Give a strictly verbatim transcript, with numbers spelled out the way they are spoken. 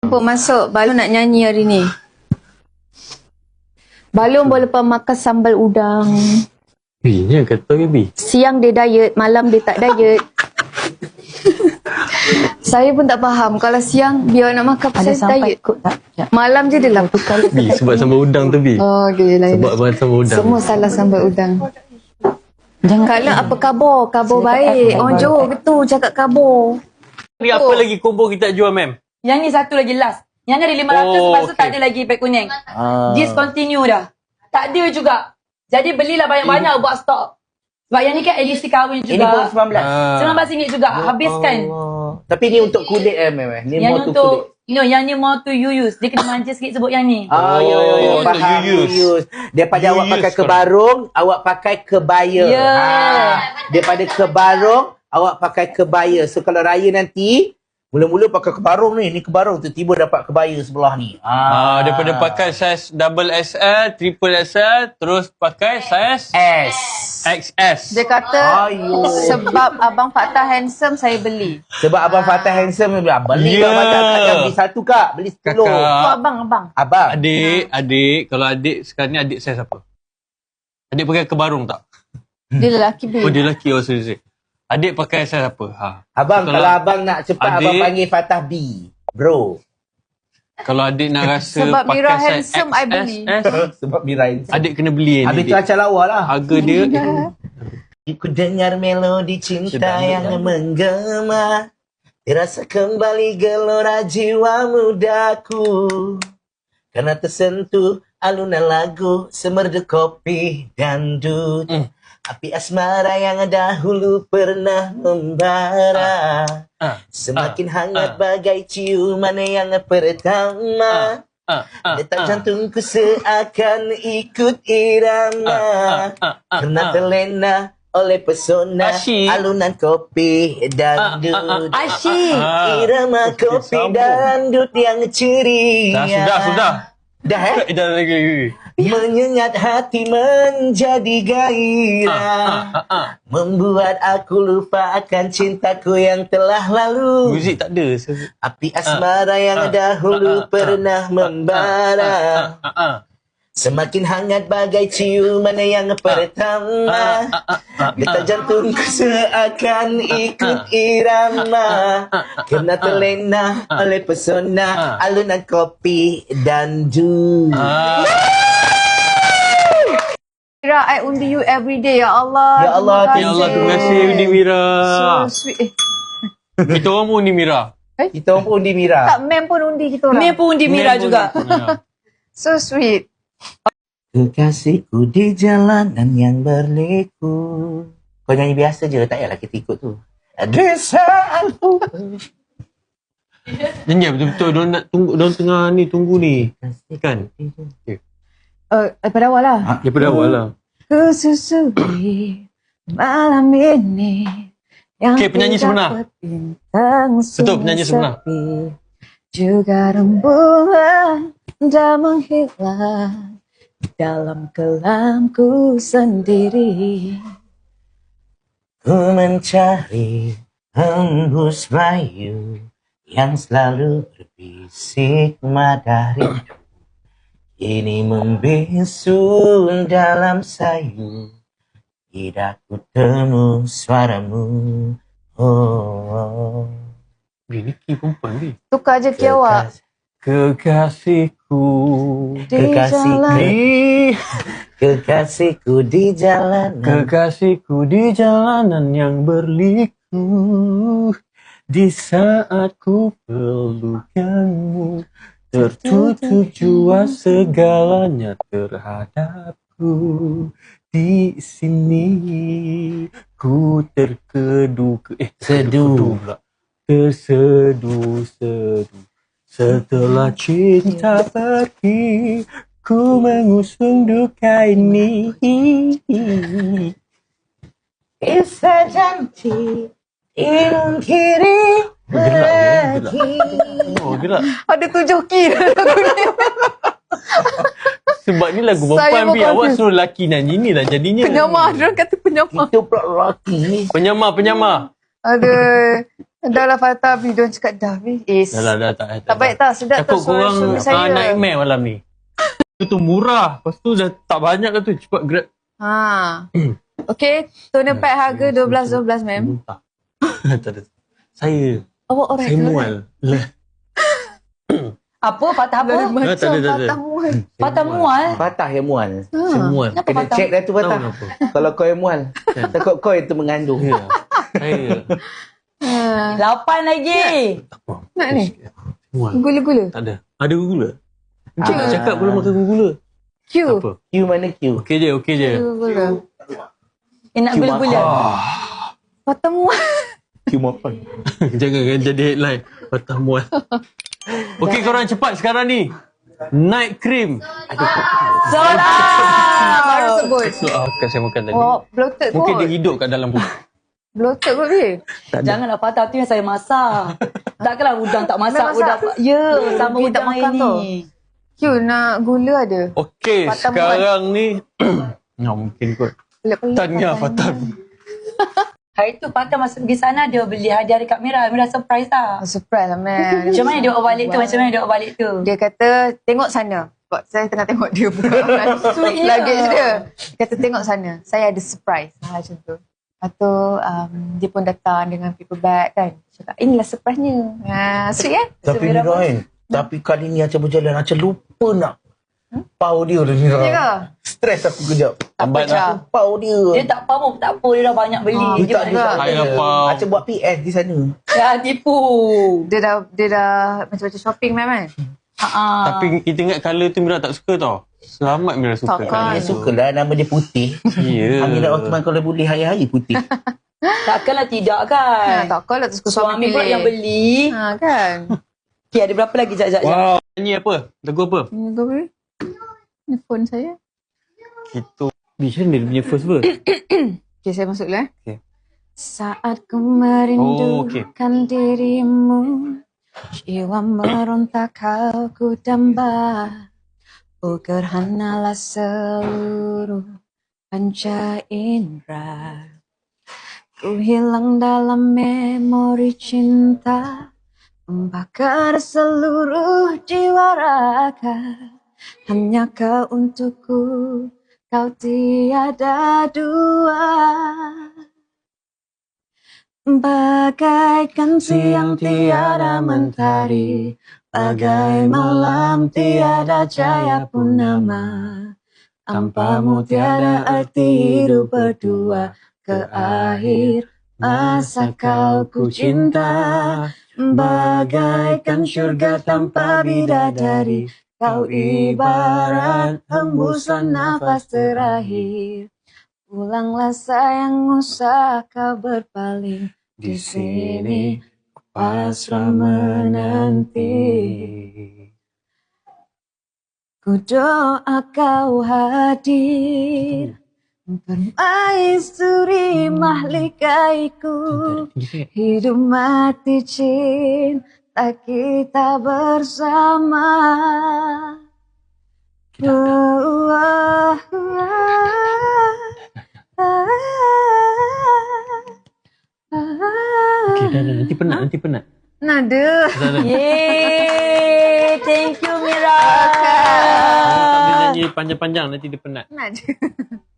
Jemput masuk, Balon nak nyanyi hari ni. Balon boleh lepas makan sambal udang. Binya kata ke Bi? Siang dia diet, malam dia tak diet. Saya pun tak faham. Kalau siang biar nak makan Ada saya sampai diet. ikut tak? Ya. Malam je dia lapar. Bi, sebab sambal udang tu Bi. Oh, okay, lain. Sebab bahan sambal udang. Semua salah sambal udang. Jangan Kalau apa khabar? Khabar Saya baik. cakap Orang khabar Johor baik. gitu cakap khabar. Ni apa lagi combo kita jual, ma'am? Yang ni satu lagi last. Yang ni ada lima ratus, Oh, lepas tu okay. tak ada lagi pack kuning. Ah. Discontinue dah. Tak ada juga. Jadi belilah banyak-banyak buat stok. Sebab yang ni kan edisi kahwin Ini pun juga. sembilan belas. Ah. sembilan belas ringgit juga. Habiskan. Allah. Tapi ni untuk kulit eh memang. Ni Yang more ni to untuk, kulit. no, yang ni more to you use. Dia kena manja sikit sebut yang ni. Ah, ya, ya, ya. Oh, untuk Faham, you use. use. Daripada You awak use pakai korang. kebarung, awak pakai kebaya. Ya. Ah. Daripada kebarung, awak pakai kebaya. So, kalau raya nanti, mula-mula pakai kebarung ni. Ni kebarung, tiba-tiba dapat kebaya sebelah ni. Ah, daripada pakai saiz double X L, triple X L, terus pakai saiz S. X S. Dia kata, Ayuh. sebab Abang Fattah handsome, saya beli. Sebab Abang Fattah handsome, dia bilang, beli Ya. kak Fattah. Kak jangan beli satu kak, beli sepuluh. Kakak. Oh, Abang, Abang. Abang. Adik, adik, kalau adik sekarang ni adik saiz apa? Adik pakai kebarung tak? Dia lelaki beli. Oh, dia lelaki. Oh, sorry, sorry. Adik pakai saiz apa? Ha. Abang, Kalau- kalau abang nak cepat, Adik- abang panggil Fattah B. Bro. Kalau adik nak rasa Sebab pakai Mira saiz handsome, I beli. X S, Sebab Mirain. adik kena beli ni. Habis tu adik. acah lawa lah. Harga dia Ku dengar melodi cinta Sedap, yang sedap. menggema, terasa kembali gelora jiwa mudaku. Karena tersentuh alunan lagu semerdu kopi dangdut. Mm. Api asmara yang dahulu pernah membara, ah, semakin ah, hangat ah. bagai ciuman yang pertama. ah, ah, Detak ah. jantungku seakan ikut irama, Ah, ah, ah, ah, karena ah. terlena oleh pesona Asyik. alunan kopi dangdut. Asyik. Ah. Irama kopi Sambung. dangdut yang ceria. Dah, sudah, sudah. Dah eh? Eh, dah lagi. Menyengat hati menjadi Ah, gairah, ah, ah. membuat aku lupa akan cintaku yang telah lalu. Muzik tak ada. Api asmara yang ah, dahulu ah, ah, pernah membara, Ah, ah. semakin hangat bagai ciuman yang pertama. Detak jantungku seakan ikut irama, kena terlena oleh pesona alunan kopi dangdut. Ah. Mira, I undi you every day. Ya Allah. Ya Allah, terima Ya Allah, terima kasih Undi Mira. So sweet. Eh, Kita orang pun Undi Mira. Kita orang pun undi Mira. tak, mem pun undi kita orang. Ni pun undi Mira juga. Ya. So sweet. Kekasihku di jalanan yang berliku. Kau nyanyi biasa je, tak payahlah kita ikut tu. Di saatku. Jangan betul-betul diorang nak tunggu, diorang tengah ni tunggu ni. Kan? Uh, daripada awal lah. Ha? Daripada awal lah. Kesusui malam ini yang Okey, penyanyi sebenar. terdapat bintang Betul, penyanyi sebenar. sepi, juga rembulan dah menghilang dalam kelamku sendiri. Ku mencari hembus bayu yang selalu berbisik madari. Ini membisu dalam sayu, tidak ku temu suaramu. Oh, oh. Ni ni key perempuan ni. Tukar je ke awak. Kekasihku. Di Kekasih jalan. Di Kekasihku di jalanan. Kekasihku di jalanan yang berliku, di saat ku pelukanmu, tertutup jua segalanya terhadapku. Di sini ku terkedu ke eh Seduh. pula. Terseduh-seduh. Setelah cinta pergi, ku mengusung duka ini. Kisah janji ilmu kiri Gelak, lagi. Oh, gelak. Ada tujuh key lagu ni. Sebab ni lagu Saya perempuan, Bi. pun Awak confused. suruh lelaki nyanyi ni lah jadinya. Penyamar. Diorang kata penyamar. Itu pula lelaki. Penyamar, penyamar. Aduh. Dah lah Fatah, Bi. Diorang cakap dah, Bi. Eh, Dah lah, dah tak. tak baik tak? Sedap tak Takut suara korang suami uh, saya. nightmare malam ni. Itu tu murah. Lepas tu dah tak banyak dah tu. Cepat grab. Ha. Okay, toner pack harga dua belas dua belas, ma'am. Tak. Tak ada. Saya. Awak orang Saya mual. Lah. Apa? Patah apa? Lain macam tak ada, tak ada. Fatah mual. Patah mual. Patah yang mual. Saya mual. Kenapa Kena patah? check dah tu Tahu patah. kenapa? Kalau kau yang mual. Takut kau yang tu mengandung. Ya. Saya. Ha. Lapan lagi. Nak ni? Mual. Gula-gula. Tak ada. Ada gula. Encik nak Ah. cakap belum makan gula. Q. Apa? Q mana Q? Okey je, okey je. Gula-gula. Eh, nak Q gula-gula. makan. Fatah mual. Q makan. Jangan kan jadi headline. Patah mual. Okey korang cepat sekarang ni. Night cream. Sold out. Baru sebut. So, ah, bukan saya makan tadi. Oh, bloated kot. Mungkin dia hidup kat dalam perut. Bloated kot, Bi. Janganlah patah tu yang saya masak. Takkanlah udang tak masak. Masak. Udang, ya, sama Pergi tak udang makan ini. tu. Q, nak gula ada. Okey, Patah sekarang ni. Ya, mungkin kot. Pelik-pelik. Tanya Fatah. Hari tu patah masa pergi sana dia beli hadiah dekat Mira. Mira surprise tak? Oh, surprise lah, man. Macam mana dia bawa balik tu? Macam mana dia bawa balik tu? Dia kata, tengok sana. Sebab saya tengah tengok dia buka Sweetnya. luggage dia. Dia kata, tengok sana. Saya ada surprise. Ha, macam tu. Lepas tu, um, dia pun datang dengan paper bag kan. Cakap, inilah surprise-nya. Ha, sweet kan? Tapi Sembilan Mira pun. kan. Tapi kali ni Acah berjalan. Acah lupa nak. Pau dia tu Mira. Ya ke? Stres aku kejap. Lambat Acah. lah. Pau dia. Dia tak faham tak apa. Dia dah banyak beli. Ah, Dia betul tak juga. ada. Saya faham. Acah buat P S di sana. Ya, tipu. Dia dah, dia dah macam-macam shopping, man. kan? Ha. Tapi kita ingat colour tu Mira tak suka tau. Selamat Mira suka. Takkan. Dia sukalah nama dia putih. Ya. Amira Osman kalau boleh hari-hari putih. Takkanlah tidak Ha, kan? takkanlah tu suka suami Suami pula pilih. yang beli. Ha, kan? Okay, ada berapa lagi? Sekejap, sekejap. Wow. Nyanyi apa? Lagu apa? Ini kau beri. Ini phone saya. Kita. Macam mana dia punya first verse? Okay, saya masuk dulu eh. Okay. Saat ku merindukan Oh, okay. dirimu, jiwa merontak kau ku damba. Oh, gerhanalah seluruh panca indera. Ku hilang dalam memori cinta, membakar seluruh jiwa raga. Hanya kau untukku, kau tiada dua. Bagaikan siang tiada mentari, bagai malam tiada cahaya purnama. Tanpamu tiada arti hidup berdua, ke akhir masa kau ku cinta. Bagaikan syurga tanpa bidadari, kau ibarat hembusan nafas terakhir. Pulanglah sayang, usah kau berpaling. Di sini pasrah menanti. Ku doa kau hadir, permaisuri mahlikaiku. Hidup mati cinta kita bersama. Oh, oh, Okay, dah, dah. Nanti penat, nanti penat. Nada. Dah, dah. Yeay, thank you Mira. Tak boleh nyanyi panjang-panjang, nanti dia penat. Nada.